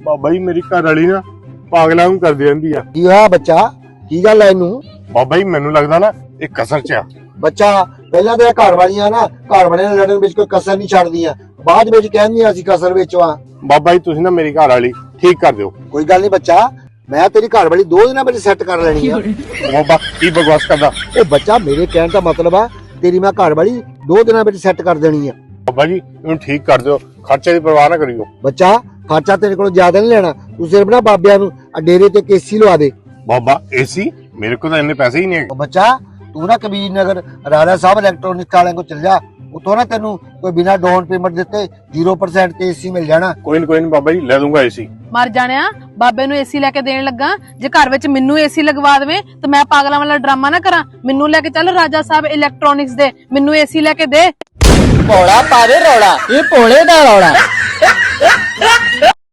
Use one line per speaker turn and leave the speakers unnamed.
ਬਾਬਾ ਜੀ ਮੇਰੀ ਘਰ ਵਾਲੀ ਨਾ ਪਾਗਲਾਂ ਨੂੰ ਕਰਦੀ ਰਹਿੰਦੀ ਆ।
ਕੀ ਹੋਇਆ ਬੱਚਾ, ਕੀ ਗੱਲ ਹੈ ਇਹਨੂੰ?
ਬਾਬਾ ਜੀ ਮੈਨੂੰ ਲੱਗਦਾ ਨਾ ਇਹ ਕਸਰ ਚ ਆ।
ਬੱਚਾ ਪਹਿਲਾਂ ਤੇ ਘਰ ਵਾਲੀਆਂ ਨਾ ਘਰ ਵਾਲਿਆਂ ਨਾਲ ਲੜਨ ਵਿੱਚ ਕੋਈ ਕਸਰ ਨਹੀਂ ਛੱਡਦੀਆਂ, ਬਾਅਦ ਵਿੱਚ ਕਹਿੰਦੀਆਂ ਅਸੀਂ ਕਸਰ ਵਿੱਚ ਆ।
ਬਾਬਾ ਜੀ ਤੁਸੀਂ ਨਾ ਮੇਰੀ ਘਰ ਵਾਲੀ ਠੀਕ ਕਰ ਦਿਓ।
ਕੋਈ ਗੱਲ ਨਹੀਂ ਬੱਚਾ, ਮੈਂ ਤੇਰੀ ਘਰ ਵਾਲੀ 2 ਦਿਨਾਂ ਵਿੱਚ ਸੈੱਟ ਕਰ ਲੈਣੀ ਆ।
ਬਾਬਾ ਕੀ ਬਕਵਾਸ ਕਰਦਾ।
ਉਹ ਬੱਚਾ ਮੇਰੇ ਕਹਿਣ ਦਾ ਮਤਲਬ ਆ ਤੇਰੀ ਮੈਂ ਘਰ ਵਾਲੀ 2 ਦਿਨਾਂ ਵਿੱਚ ਸੈੱਟ ਕਰ ਦੇਣੀ ਆ।
ਬਾਬਾ ਜੀ ਇਹਨੂੰ ਠੀਕ ਕਰ ਦਿਓ, ਖਰਚੇ ਦੀ ਪਰਵਾਹ ਨਾ ਕਰਿਓ।
ਬੱਚਾ ਖਰਚਾ ਤੇਰੇ ਕੋਲ ਜ਼ਿਆਦਾ ਨਹੀਂ ਲੈਣਾ, ਤੂੰ ਸਿਰਫ ਨਾ ਬਾਬਿਆਂ ਨੂੰ ਡੇਰੇ ਤੇ ਕੇਸੀ ਲਵਾ ਦੇ।
ਬਾਬਾ ਏਸੀ ਮੇਰੇ ਕੋਲ ਤਾਂ ਇੰਨੇ ਪੈਸੇ ਹੀ ਨਹੀਂ ਹੈਗੇ।
ਉਹ ਬੱਚਾ ਤੂੰ ਨਾ ਕਬੀਰ ਨਗਰ ਰਾਜਾ ਸਾਹਿਬ ਇਲੈਕਟ੍ਰੋਨਿਕ ਵਾਲਿਆਂ ਕੋਲ ਚੱਲ ਜਾ, ਉਤੋਂ ਨਾ ਤੈਨੂੰ ਕੋਈ ਬਿਨਾ ਡਾਊਨ ਪੇਮੈਂਟ ਦਿੱਤੇ 0% ਤੇ ਏਸੀ ਮਿਲ ਜਾਣਾ।
ਕੋਈ ਨਹੀਂ ਬਾਬਾ ਜੀ ਲੈ ਦੂੰਗਾ ਏਸੀ।
ਮਰ ਜਾਣਿਆ, ਬਾਬੇ ਨੂੰ ਏਸੀ ਲੈ ਕੇ ਦੇਣ ਲੱਗਾ, ਜੇ ਘਰ ਵਿੱਚ ਮੈਨੂੰ ਏਸੀ ਲਗਵਾ ਦੇਵੇ ਤੇ ਮੈਂ ਪਾਗਲਾਂ ਵਾਲਾ ਡਰਾਮਾ ਨਾ ਕਰਾਂ। ਮੈਨੂੰ ਲੈ ਕੇ ਚੱਲ ਰਾਜਾ ਸਾਹਿਬ ਇਲੈਕਟ੍ਰੋਨਿਕਸ ਦੇ, ਮੈਨੂੰ ਏਸੀ ਲੈ ਕੇ ਦੇ।
ਭੋਲਾ ਪਾਵੇ ਰੌਲਾ, ਇਹ ਭੋਲੇ ਦਾ ਰੌਲਾ।